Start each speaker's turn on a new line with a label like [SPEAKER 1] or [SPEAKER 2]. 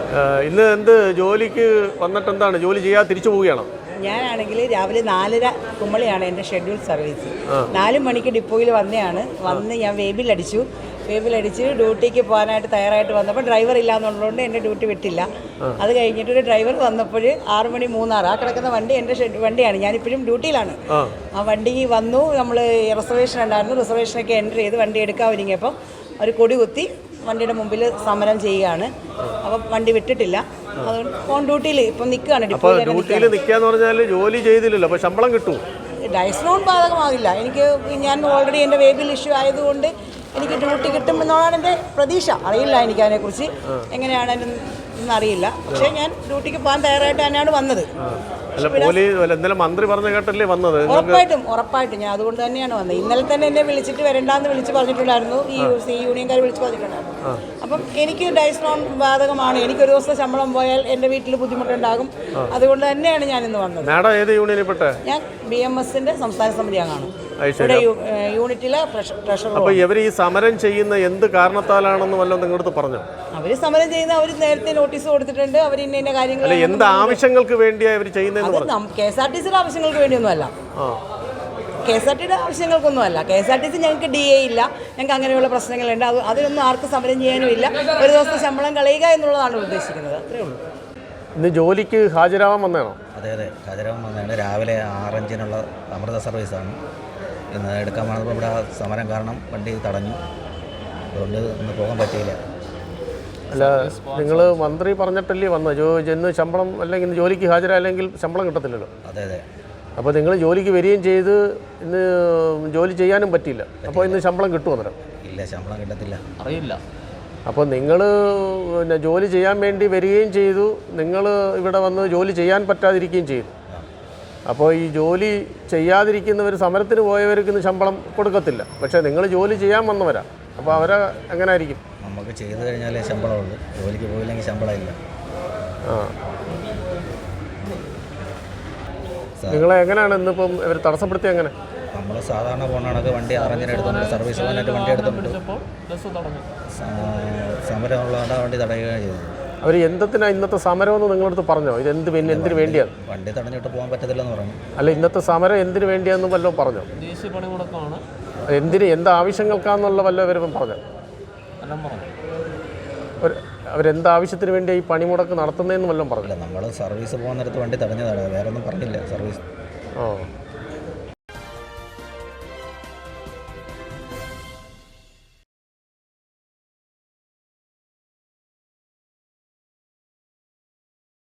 [SPEAKER 1] ഇന്ന് എന്ത് ജോലിക്ക് വന്നിട്ട് എന്താണ് ജോലി ചെയ്യാതെ തിരിച്ചു പോവുകയാണോ?
[SPEAKER 2] ഞാനാണെങ്കിൽ രാവിലെ 4:30 കുമ്മളിയാണ് എൻ്റെ ഷെഡ്യൂൾ സർവീസ്. 4 മണിക്ക് ഡിപ്പോയിൽ വന്ന് ഞാൻ വേബിലടിച്ച് ഡ്യൂട്ടിക്ക് പോകാനായിട്ട് തയ്യാറായിട്ട് വന്നപ്പോൾ ഡ്രൈവർ ഇല്ലാന്നുള്ളതുകൊണ്ട് എൻ്റെ ഡ്യൂട്ടി വിട്ടില്ല. അത് കഴിഞ്ഞിട്ട് ഒരു ഡ്രൈവർ വന്നപ്പോൾ 6:36 ആ കിടക്കുന്ന വണ്ടി എൻ്റെ വണ്ടിയാണ്. ഞാനിപ്പോഴും ഡ്യൂട്ടിയിലാണ്. ആ വണ്ടി വന്നു. നമ്മൾ റിസർവേഷൻ ഉണ്ടായിരുന്നു. റിസർവേഷനൊക്കെ എൻ്റർ ചെയ്ത് വണ്ടി എടുക്കാൻ ഒരുങ്ങിയപ്പോൾ ഒരു കൊടി കുത്തി വണ്ടിയുടെ മുമ്പിൽ സമരം ചെയ്യുകയാണ്. അപ്പം വണ്ടി വിട്ടിട്ടില്ല. അതുകൊണ്ട് ഓൺ ഡ്യൂട്ടിയിൽ ഇപ്പം നിൽക്കുകയാണ്.
[SPEAKER 1] ഡ്യൂട്ടിയിൽ നിൽക്കാന്ന് പറഞ്ഞാൽ ജോലി ചെയ്തില്ലല്ലോ, അപ്പോൾ ശമ്പളം കിട്ടും.
[SPEAKER 2] ഡയസ്ലോൺ ബാധകമാകില്ല. ഞാൻ ഓൾറെഡി എൻ്റെ വേബിൽ ഇഷ്യൂ ആയതുകൊണ്ട് എനിക്ക് ഡ്യൂട്ടി കിട്ടുമെന്നുള്ളതാണ് എൻ്റെ പ്രതീക്ഷ. അറിയില്ല എനിക്ക് അതിനെക്കുറിച്ച് എങ്ങനെയാണ് എന്നറിയില്ല. പക്ഷേ ഞാൻ ഡ്യൂട്ടിക്ക് പോകാൻ തയ്യാറായിട്ട് തന്നെയാണ് വന്നത്.
[SPEAKER 1] മന്ത്രി പറഞ്ഞ കേട്ടല്ലേ വന്നത്?
[SPEAKER 2] ഉറപ്പായിട്ടും ഞാൻ അതുകൊണ്ട് തന്നെയാണ് വന്നത്. ഇന്നലെ തന്നെ എന്നെ വിളിച്ച് പറഞ്ഞിട്ടുണ്ടായിരുന്നു. ഈ യൂണിയൻകാർ വിളിച്ച് പറഞ്ഞിട്ടുണ്ടായിരുന്നു. അപ്പം എനിക്ക് ഡയസ്ലോൺ ബാധകമാണ്. എനിക്കൊരു ദിവസം ശമ്പളം പോയാൽ എൻ്റെ വീട്ടിൽ ബുദ്ധിമുട്ടുണ്ടാകും. അതുകൊണ്ട് തന്നെയാണ് ഞാൻ ഇന്ന് വന്നത്. ഞാൻ BMSന്റെ സംസ്ഥാന സമിതി അംഗമാണ്. യൂണിറ്റിലെ ട്രഷറർ.
[SPEAKER 1] അപ്പോൾ ഇവർ ഈ സമരം ചെയ്യുന്ന എന്ത് കാരണത്താലാണെന്ന് വല്ലതും നിങ്ങളടുത്ത് പറഞ്ഞോ?
[SPEAKER 2] അവർ സമരം ചെയ്യുന്ന അവർ നേരത്തെ നോട്ടീസ് കൊടുത്തിട്ടുണ്ട്. അവർ ഇന്ന കാര്യങ്ങൾ
[SPEAKER 1] എന്ത് ആവശ്യങ്ങൾക്ക് വേണ്ടിയാണ് ഇവർ ചെയ്യുന്നത്?
[SPEAKER 2] KSRTCയുടെ ആവശ്യങ്ങൾക്ക് വേണ്ടിയൊന്നുമല്ല. KSRTCയുടെ ആവശ്യങ്ങൾക്കൊന്നുമല്ല. KSRTC ഞങ്ങൾക്ക് DA ഇല്ല. ഞങ്ങൾക്ക് അങ്ങനെയുള്ള പ്രശ്നങ്ങളുണ്ട്. അതിനൊന്നും ആർക്കും സമരം ചെയ്യാനും ഇല്ല. ഒരു ദിവസം ശമ്പളം കളയുക എന്നുള്ളതാണ് ഉദ്ദേശിക്കുന്നത്. അത്രേ ഉള്ളൂ.
[SPEAKER 1] ഇന്ന് ജോലിക്ക് ഹാജരാവാൻ വന്നതാണോ?
[SPEAKER 3] അതെ, ഹാജരാവാൻ വന്നതാണ്. രാവിലെ 6:05-നുള്ള അമൃത സർവീസാണ് ഇന്ന് എടുക്കാൻ വന്നപ്പോൾ ഇവിടെ സമരം കാരണം വണ്ടി തടഞ്ഞു. അതുകൊണ്ട് ഇന്ന് പോകാൻ പറ്റിയില്ല.
[SPEAKER 1] അല്ല, നിങ്ങൾ മന്ത്രി പറഞ്ഞിട്ടല്ലേ വന്നത്? ഇന്ന് ശമ്പളം അല്ലെങ്കിൽ ജോലിക്ക് ഹാജരായില്ലെങ്കിൽ ശമ്പളം കിട്ടത്തില്ലല്ലോ.
[SPEAKER 3] അതെ.
[SPEAKER 1] അപ്പോൾ നിങ്ങൾ ജോലിക്ക് വരികയും ചെയ്ത് ഇന്ന് ജോലി ചെയ്യാനും പറ്റിയില്ല. അപ്പോൾ ഇന്ന് ശമ്പളം കിട്ടുമോ? അന്നേരം
[SPEAKER 3] ഇല്ല, ശമ്പളം കിട്ടത്തില്ല.
[SPEAKER 4] അറിയില്ല.
[SPEAKER 1] അപ്പോൾ നിങ്ങൾ പിന്നെ ജോലി ചെയ്യാൻ വേണ്ടി വരികയും ചെയ്തു, നിങ്ങൾ ഇവിടെ വന്ന് ജോലി ചെയ്യാൻ പറ്റാതിരിക്കുകയും ചെയ്തു. അപ്പോൾ ഈ ജോലി ചെയ്യാതിരിക്കുന്നവർ, സമരത്തിന് പോയവർക്ക് ഇന്ന് ശമ്പളം കൊടുക്കത്തില്ല. പക്ഷേ നിങ്ങൾ ജോലി ചെയ്യാൻ വന്നവരാ. അപ്പോൾ അവരെ എങ്ങനെ ആയിരിക്കും?
[SPEAKER 3] നമുക്ക് ചെയ്ത് കഴിഞ്ഞാലേ ശമ്പളമുള്ളൂ. ജോലിക്ക് പോയില്ലെങ്കിൽ ശമ്പളമില്ല.
[SPEAKER 1] നിങ്ങളെ എങ്ങനെയാണ് ഇന്നിപ്പം ഇവർ തടസ്സപ്പെടുത്തി? എങ്ങനെ?
[SPEAKER 3] നമ്മൾ സാധാരണ പോകണക്ക് വണ്ടി 6:05 എടുത്തുകൊണ്ട് സർവീസ് പോകാനായിട്ട് വണ്ടി എടുത്തുകൊണ്ട് സമരമുള്ളതുകൊണ്ട് വണ്ടി തടയുകയാണ് ചെയ്തത്.
[SPEAKER 1] അവർ എന്തിനാണ് ഇന്നത്തെ സമരമെന്ന് നിങ്ങളടുത്ത് പറഞ്ഞോ? ഇത് എന്തിനു വേണ്ടിയാണ്?
[SPEAKER 3] വണ്ടി തടഞ്ഞിട്ട് പോകാൻ പറ്റത്തില്ലെന്ന് പറഞ്ഞു.
[SPEAKER 1] അല്ല, ഇന്നത്തെ സമരം എന്തിനു വേണ്ടിയാന്ന് വല്ലതും പറഞ്ഞോ?
[SPEAKER 4] ദേശീയ പണിമുടക്കമാണ്.
[SPEAKER 1] എന്ത് ആവശ്യങ്ങൾക്കാന്നുള്ള വല്ല ഇവരും പറഞ്ഞോ? അവരെന്ത് ആവശ്യത്തിന് വേണ്ടി ഈ പണിമുടക്ക് നടത്തുന്നതെന്ന് വല്ലതും പറഞ്ഞില്ല.
[SPEAKER 3] നമ്മൾ സർവീസ് പോകുന്നിടത്ത് വണ്ടി തടഞ്ഞതാണ്, വേറെ ഒന്നും പറഞ്ഞില്ല. സർവീസ്